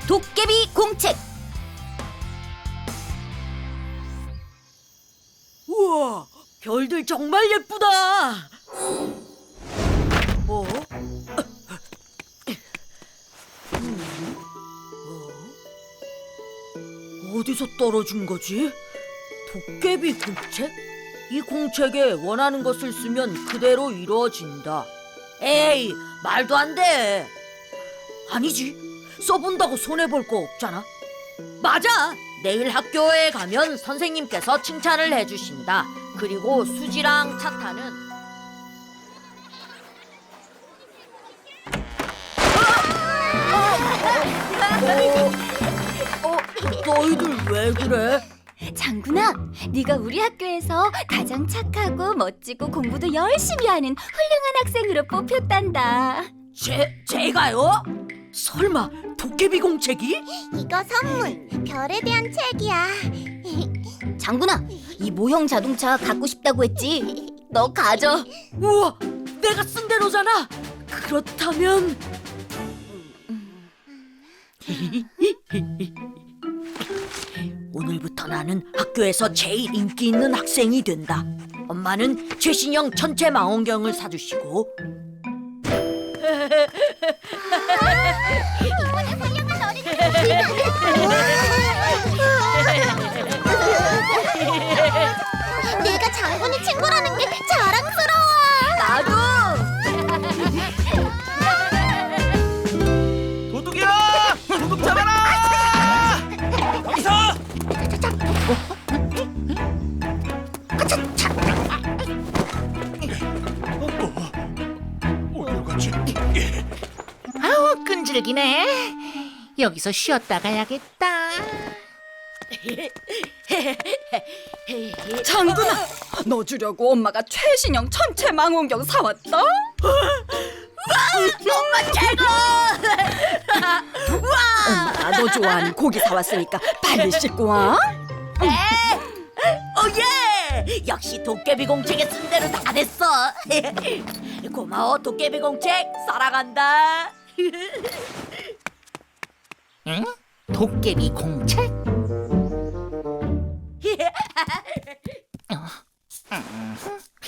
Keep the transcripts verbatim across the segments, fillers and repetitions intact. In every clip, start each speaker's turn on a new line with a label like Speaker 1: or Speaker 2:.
Speaker 1: 도깨비 공책.
Speaker 2: 우와, 별들 정말 예쁘다. 어? 음, 어? 어디서 떨어진 거지? 도깨비 공책? 이 공책에 원하는 것을 쓰면 그대로 이루어진다. 에이, 말도 안 돼. 아니지, 써본다고 손해볼 거 없잖아. 맞아, 내일 학교에 가면 선생님께서 칭찬을 해주신다. 그리고 수지랑 차타는 어, 어, 너희들 왜 그래?
Speaker 1: 장군아, 네가 우리 학교에서 가장 착하고 멋지고 공부도 열심히 하는 훌륭한 학생으로 뽑혔단다.
Speaker 2: 제, 제가요? 설마 도깨비 공책이?
Speaker 3: 이거 선물, 별에 대한 책이야.
Speaker 1: 장군아, 이 모형 자동차 갖고 싶다고 했지? 너 가져.
Speaker 2: 우와, 내가 쓴 대로잖아. 그렇다면 오늘부터 나는 학교에서 제일 인기 있는 학생이 된다. 엄마는 최신형 천체 망원경을 사주시고
Speaker 3: 이번에 훌륭한 어린이들. 내가 장군의 친구라는 게 자랑스러워.
Speaker 1: 나도.
Speaker 4: 도둑이야! 도둑 잡아라! 여기서! 어디로 갔지?
Speaker 5: 아우 끈질기네. 여기서 쉬었다 가야겠다.
Speaker 1: 장군아, 너 주려고 엄마가 최신형 천체 망원경 사왔다.
Speaker 2: 엄마 최고!
Speaker 1: 엄마가 너 좋아하는 고기 사왔으니까 빨리 씻고 와.
Speaker 2: 오예! 역시 도깨비 공책에 쓴 대로 다 됐어. 고마워 도깨비 공책, 사랑한다.
Speaker 5: 응? 도깨비 공책? 어, 음,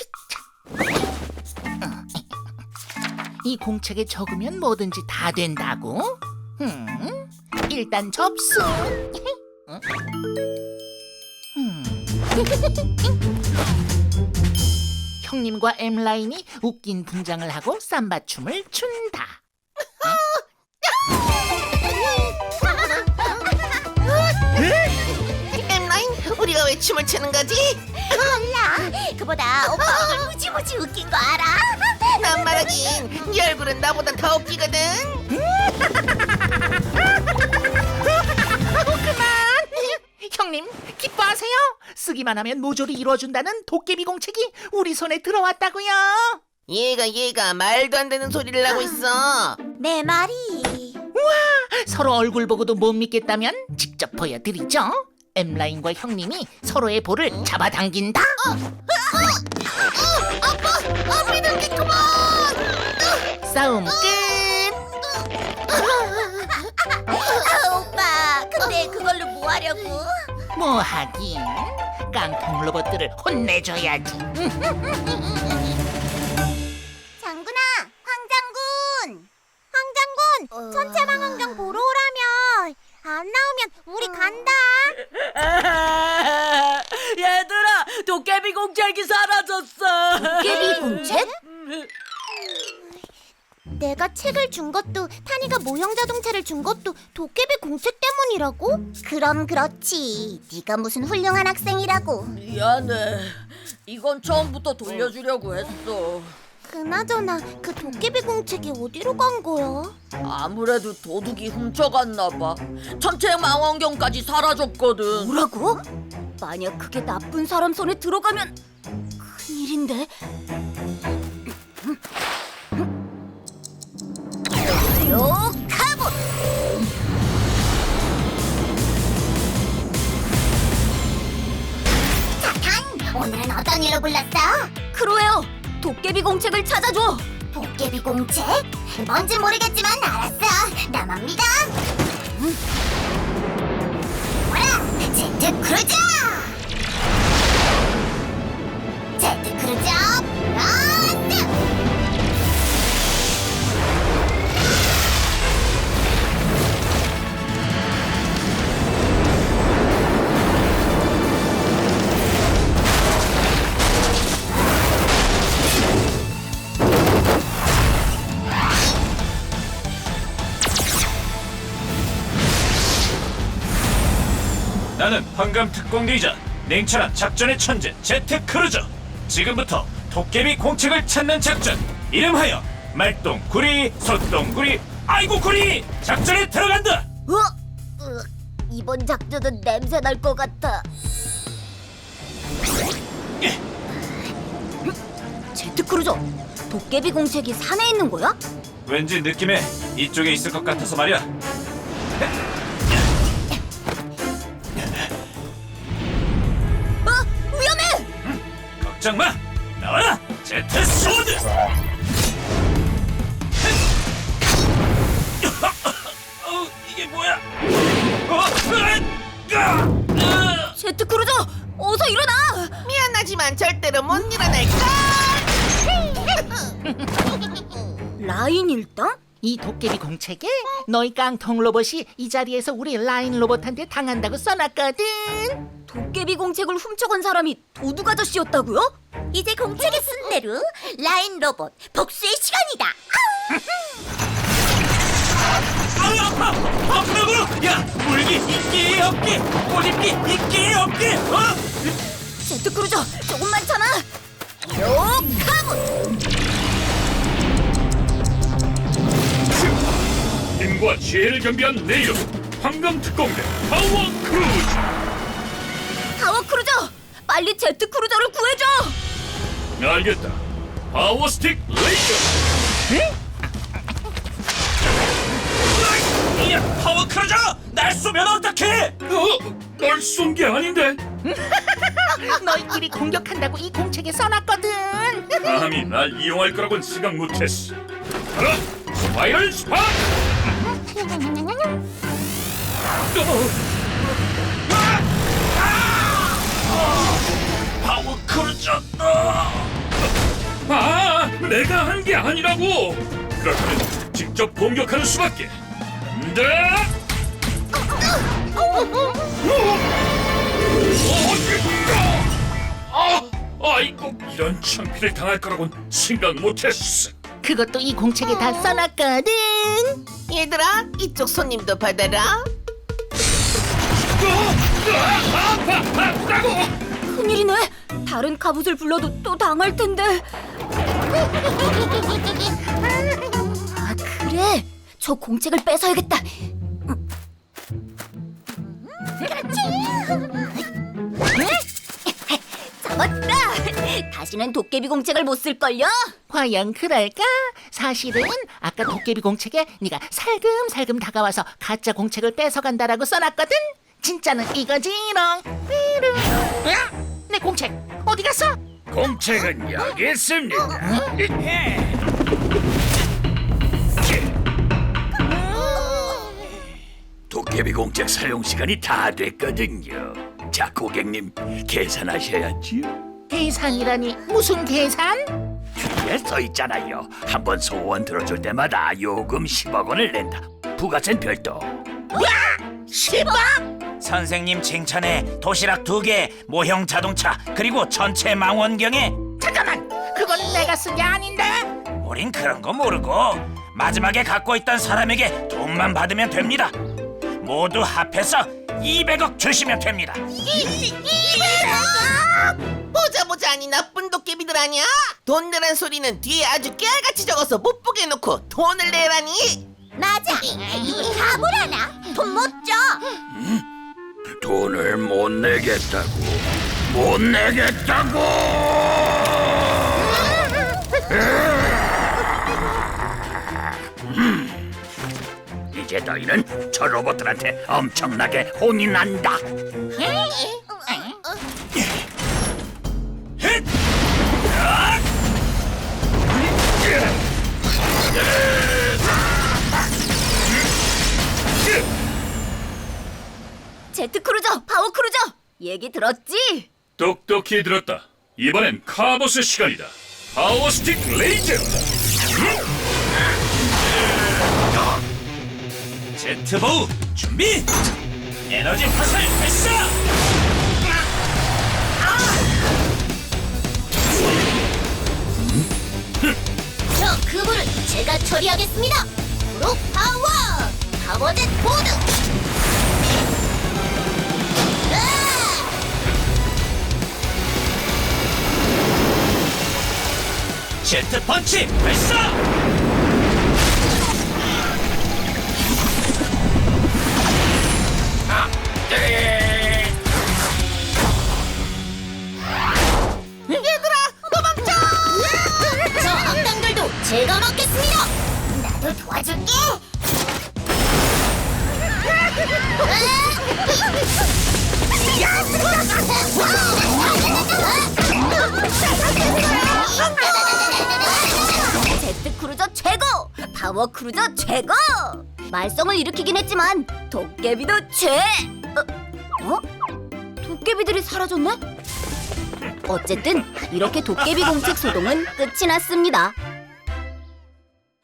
Speaker 5: 이 공책에 적으면 뭐든지 다 된다고? 음, 일단 접수. 응? 음. 형님과 엠라인이 웃긴 분장을 하고 삼바춤을 춘다.
Speaker 6: 엠라인, 우리가 왜 춤을 추는 거지?
Speaker 3: 몰라. 그보다 오빠 얼굴 무지무지 웃긴 거 알아?
Speaker 6: 난 말하긴 네 얼굴은 나보다 더 웃기거든.
Speaker 5: 그만! 형님, 기뻐하세요. 쓰기만 하면 모조리 이루어준다는 도깨비 공책이 우리 손에 들어왔다고요.
Speaker 6: 얘가 얘가 말도 안 되는 소리를 하고 있어.
Speaker 3: 내 말이.
Speaker 5: 서로 얼굴 보고도 못 믿겠다면 직접 보여드리죠. 엠라인과 형님이 서로의 볼을 잡아당긴다.
Speaker 3: 안 믿을겠구먼.
Speaker 5: 싸움 끝.
Speaker 3: 아, 오빠, 근데 그걸로 뭐 하려고?
Speaker 5: 뭐 하긴 깡통 로봇들을 혼내줘야지.
Speaker 3: 장군아, 황장군. 황장군, 천체망원경 보러 오라며. 안 나오면 우리 간다.
Speaker 2: 얘들아, 도깨비 공책이 사라졌어.
Speaker 1: 도깨비 공책?
Speaker 3: 내가 책을 준 것도, 타니가 모형 자동차를 준 것도 도깨비 공책 때문이라고? 그럼 그렇지. 네가 무슨 훌륭한 학생이라고.
Speaker 2: 미안해. 이건 처음부터 돌려주려고 했어.
Speaker 3: 그나저나 그 도깨비 공책이 어디로 간 거야?
Speaker 2: 아무래도 도둑이 훔쳐갔나 봐. 천체 망원경까지 사라졌거든.
Speaker 1: 뭐라고? 만약 그게 나쁜 사람 손에 들어가면 큰일인데. 요 카봇!
Speaker 3: 자탄, 오늘은 어떤 일로 불렀어?
Speaker 1: 크로에어, 도깨비 공책을 찾아줘.
Speaker 3: 도깨비 공책? 뭔지 모르겠지만 알았어. 나만 믿어. 제트 크루저! 제트 크루저 런드!
Speaker 4: 나는 황금 특공대이자 냉철한 작전의 천재 제트 크루저. 지금부터 도깨비 공책을 찾는 작전, 이름하여 말똥구리 소똥구리 아이고 구리 작전에 들어간다.
Speaker 3: 어? 으, 이번 작전은 냄새 날 것 같아.
Speaker 1: 제트 크루저, 도깨비 공책이 산에 있는 거야?
Speaker 4: 왠지 느낌에 이쪽에 있을 것 같아서 말이야.
Speaker 1: 어, 위험해!
Speaker 4: 걱정 마, 나와라 제트 소드. 어, 이게 뭐야? 어, 으아! 으아!
Speaker 1: 제트 크루저, 어서 일어나!
Speaker 6: 미안하지만 절대로 못 일어날까?
Speaker 1: 라인 일당?
Speaker 5: 이 도깨비 공책에 너희 깡통 로봇이 이 자리에서 우리 라인 로봇한테 당한다고 써놨거든.
Speaker 1: 도깨비 공책을 훔쳐간 사람이 도둑 아저씨였다고요?
Speaker 3: 이제 공책에 쓴 대로 라인 로봇 복수의 시간이다.
Speaker 4: 아유 아파! 아프다고! 야, 물기 있기 없기, 꼬집기 있기 없기. 어?
Speaker 1: 제트 크루저, 조금만 참아! 욕하고!
Speaker 7: 힘과 지혜를 겸비한 내 이름 황금 특공대 파워 크루즈.
Speaker 1: 파워 크루저, 빨리 제트 크루저를 구해줘!
Speaker 7: 알겠다. 파워 스틱 레이저.
Speaker 4: 야, 파워 크루저! 날 쏘면 어떡해?
Speaker 7: 어? 널 쏜 게 아닌데.
Speaker 5: 너희끼리 공격한다고 이 공책에 써놨거든.
Speaker 7: 감히 날 이용할 거라고는 생각 못했어. 하나, 스파이럴 스파.
Speaker 4: 파워 크루저!
Speaker 7: 아, 내가 한 게 아니라고. 그렇다면 직접 공격하는 수밖에. 네. 아, 아이고, 이런 창피를 당할 거라고는 생각 못했어.
Speaker 5: 그것도 이 공책에 다 써놨거든.
Speaker 6: 얘들아, 이쪽 손님도 받아라.
Speaker 7: 아파, 아프다고.
Speaker 1: 큰일이네. 다른 갑옷을 불러도 또 당할 텐데. 아, 그래. 저 공책을 뺏어야겠다. 잡았다. 다시는 도깨비 공책을 못 쓸걸요?
Speaker 5: 과연 그럴까? 사실은 아까 도깨비 공책에 네가 살금살금 다가와서 가짜 공책을 뺏어간다라고 써놨거든. 진짜는 이거지롱. 삐롱. 야, 내 공책 어디 갔어?
Speaker 7: 공책은 여기 있습니다. 도깨비 공책 사용 시간이 다 됐거든요. 자, 고객님, 계산하셔야지요.
Speaker 5: 계산이라니 무슨 계산?
Speaker 7: 뒤에 써 있잖아요. 한 번 소원 들어줄 때마다 요금 십억 원을 낸다. 부가세는 별도.
Speaker 5: 십억?
Speaker 4: 선생님 칭찬에 도시락 두 개, 모형 자동차, 그리고 전체 망원경에.
Speaker 5: 잠깐만, 그건 내가 쓴 게 아닌데.
Speaker 4: 우린 그런 거 모르고 마지막에 갖고 있던 사람에게 돈만 받으면 됩니다. 모두 합해서 이백억 주시면 됩니다.
Speaker 6: 보자 보자, 아니 나쁜 도깨비들 아니야? 돈 내란 소리는 뒤에 아주 깨알같이 적어서 못 보게 해놓고 돈을 내라니.
Speaker 3: 맞아. 누구 가물하나? 돈 못 줘.
Speaker 7: 돈을 못 내겠다고. 못 내겠다고. 음, 이제 너희는 저 로봇들한테 엄청나게 혼이 난다.
Speaker 1: 제트 크루저, 파워 크루저. 얘기 들었지?
Speaker 8: 똑똑히 들었다. 이번엔 카보스 시간이다. 파워 스틱 레이저.
Speaker 4: 제트보우 준비. 에너지 화살 발사.
Speaker 3: 저 그물을 제가 처리하겠습니다. 프로 파워 파워젯 보드.
Speaker 4: 제트 펀치 발사.
Speaker 3: 저 악당들도 제가 막겠습니다. 나도 도와줄게.
Speaker 1: 제트 크루저 최고! 파워 크루저 최고! 말썽을 일으키긴 했지만 도깨비도 최! 어? 어? 도깨비들이 사라졌네? 어쨌든 이렇게 도깨비 공책 소동은 끝이 났습니다.